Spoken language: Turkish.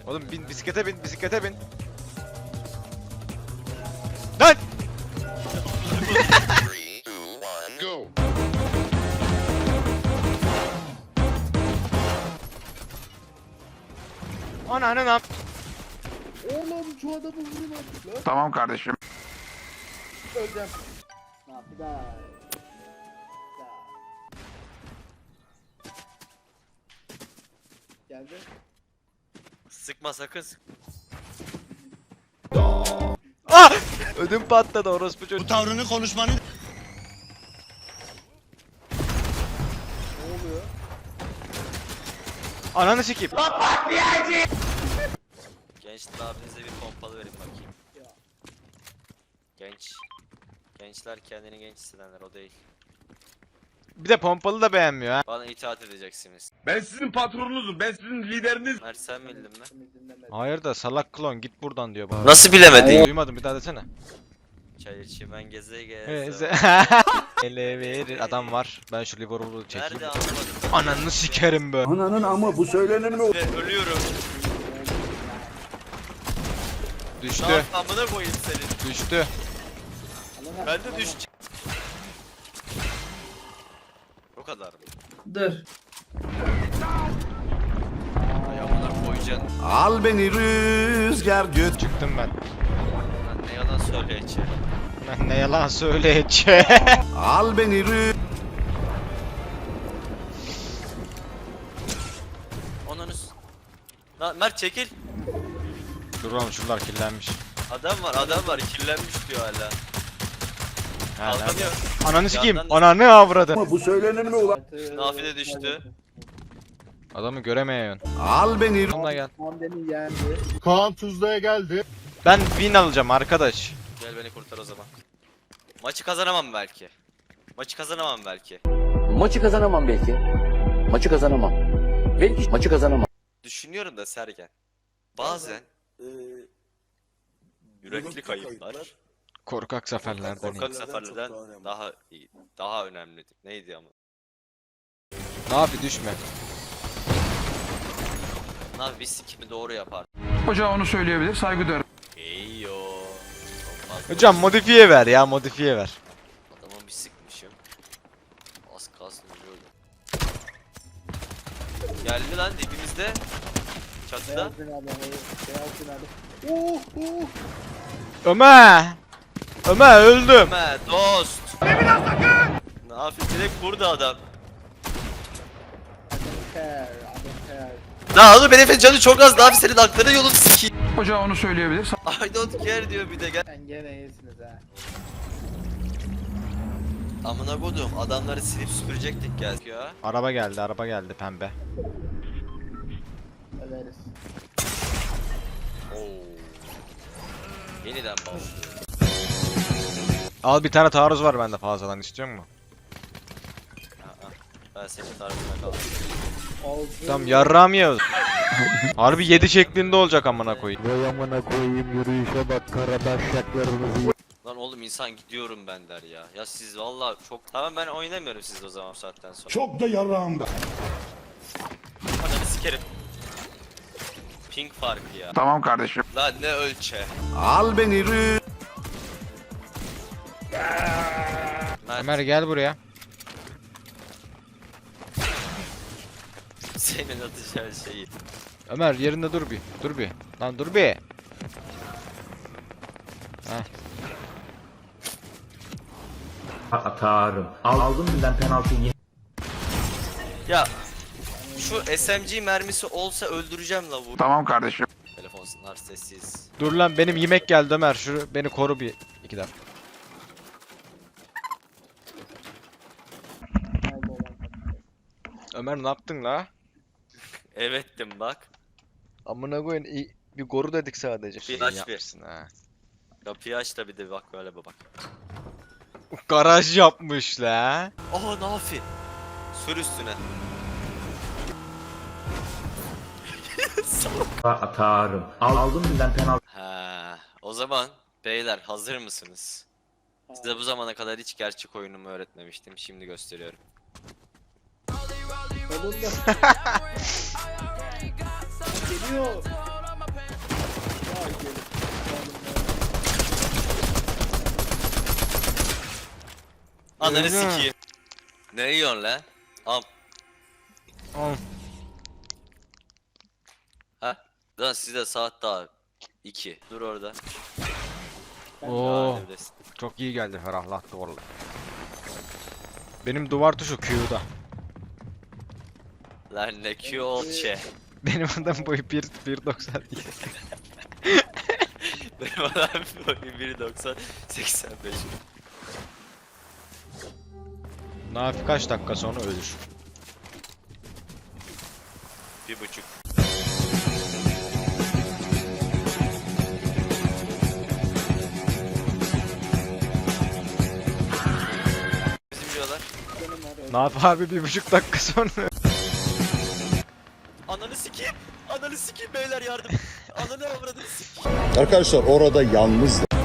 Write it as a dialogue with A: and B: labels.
A: Oğlum bin bisiklete bin, bisiklete bin. Lan!
B: 3, 2, 1, go.
A: Ananı.
C: Oğlum şu adamı vurun artık lan.
D: Tamam kardeşim.
C: Öleceğim. Ha bir daha. Geldi.
E: Sıkma sakın sık.
A: Ah! Ödüm patladı orospu çocuk.
F: Bu tavrını konuşmanı
C: Ne oluyor?
A: Ananı sikeyim.
E: Gençler abinize bir pompalı verin bakayım.
C: Ya.
E: Genç. Gençler kendini genç hissedenler o değil.
A: Bir de pompalı da beğenmiyor ha.
E: Bana itaat edeceksiniz.
G: Ben sizin patronunuzum. Ben sizin lideriniz.
E: Mert sen bildin mi?
C: Seni dinlemedim.
A: Hayır da salak klon git buradan diyor bana.
E: Nasıl bilemedin?
A: Duymadım bir daha desene.
E: Çay içi ben geze
A: He,
E: geze.
A: Ele verir adam var. Ben şu Liverpool'u çekeyim.
E: Nerede anlamadım.
A: Ananı sikerim be.
D: Ananın ama bu söylenir mi?
E: Ve ölüyorum.
A: Düştü.
E: Ne amına koyayım senin.
A: Düştü.
C: Alana-
E: Ben de
C: alana-
E: düşeceğim. O kadar mı?
C: Dur.
E: Ay amına koyacaksın.
D: Al beni rüzgar göt.
A: Çıktım ben.
E: Lan ne yalan söyleyeceğim.
A: Ben ne yalan söyleyeceğim.
D: Al beni
E: Onunuz. Lan Mert çekil.
A: Dur oğlum şunlar kirlenmiş.
E: Adam var kirlenmiş diyor hala.
A: Ha, nerede?
E: Kalkamıyor.
A: Ananı sikeyim.
E: Yandan da-
A: Ananı avradı.
D: Ama bu söylenir mi ulan?
E: Nafile düştü.
A: Adamı göremeyiyorsun.
D: Al beni
A: Bununla gel.
C: Hamdeni yendi.
F: Kaan Tuzla'ya geldi.
A: Ben win alacağım arkadaş.
E: Gel beni kurtar o zaman. Maçı kazanamam belki. Maçı kazanamam belki.
H: Maçı kazanamam belki. Maçı kazanamam. Belki maçı kazanamam.
E: Düşünüyorum da Sergen. Bazen yürekli kayıplar
A: Korkak zaferlerden.
E: korkak seferlerden daha iyi, daha önemlidir. Neydi ama?
A: Ne yapayım düşme.
E: Abi biz sikimi doğru yapar.
D: Hoca onu söyleyebilir, saygı duyarım.
E: Eyyo. Çok fazla
A: Hocam modifiye ver ya modifiye ver.
E: adamı bir sıkmışım. Az kalsın ölüyordu. Geldi lan dibimizde. Çatıda.
C: Beyaz binada. Beyaz binada.
A: Ömer. Ömer öldüm.
E: Ömer dost. Ne yapayım direkt vurdu adam.
C: I don't care. I don't care.
E: Daha oğlum benim canı çok az daha bir senin aklını yolunu sikeyim.
D: Hoca onu söyleyebilir.
E: I don't care diyor bir de gel.
C: Sen gene iyisiniz ha.
E: Amına kodum adamları silip süpürecektik gel ya.
A: Araba geldi pembe.
C: Öleriz.
E: Oo. Yeniden başlıyor.
A: Al bir tane taarruz var bende fazladan istiyor musun?
E: Aa, ben senin tarzına kaldım.
C: Oldu.
A: Tamam yarrağım yiyoruz. Harbi 7 şeklinde olacak amına koyayım.
E: Lan oğlum insan gidiyorum ben der ya. Ya siz valla çok... Tamam ben oynamıyorum siz o zaman bu saatten sonra.
F: Çok da yarağımda.
E: Ananı sikerim. Ping farkı ya.
D: Tamam kardeşim.
E: Lan ne ölçe.
D: Al beni rüzgar.
E: Mert
A: Ömer gel buraya.
E: senin atacağın şeyi.
A: Ömer yerinde dur bir. Dur bir. Lan dur bir. Heh.
I: Atarım. Aldım birden penaltı yine.
E: Ya şu SMG mermisi olsa öldüreceğim la bu.
D: Tamam kardeşim.
E: Telefonlar sessiz.
A: Dur lan benim yemek geldi Ömer. Şu beni koru bir 2 dakika.
C: Oldu olan.
A: Ömer ne yaptın la?
E: Evettim bak.
A: Amına koyun bir koru dedik sadece.
E: Bir aç bir.
A: yapmışsın ha.
E: Kapıyı aç da bir de bak böyle bak.
A: Garaj yapmış la.
E: Aha Nafi. Sür üstüne.
I: Atarım. Aldım birden penaltı.
E: Ha, o zaman beyler hazır mısınız? Size bu zamana kadar hiç gerçek oyunumu öğretmemiştim. Şimdi gösteriyorum.
C: Solunda. Geliyor.
E: Ananı
A: Öyle mi?
E: sikeyim. Ne yiyorsun lan? Am.
A: Al.
E: Ha? Lan sizde saat daha 2. Dur orada.
A: Oo,
E: Daha evdesin.
A: çok iyi geldi, ferahlattı vallahi. Benim duvar tuşu Q'da.
E: Lan ne Q old şey.
A: Benim adam boyu 1.90 değil.
E: Benim adam boyu 1.90 85.
A: Nafi kaç dakika sonra ölür.
E: 1.5. Bizim diyorlar.
A: Nafi abi 1.5 dakika sonra.
E: Ananı sikeyim. Ananı sikeyim beyler yardım. Ananı avradını sikeyim.
B: Arkadaşlar orada yalnız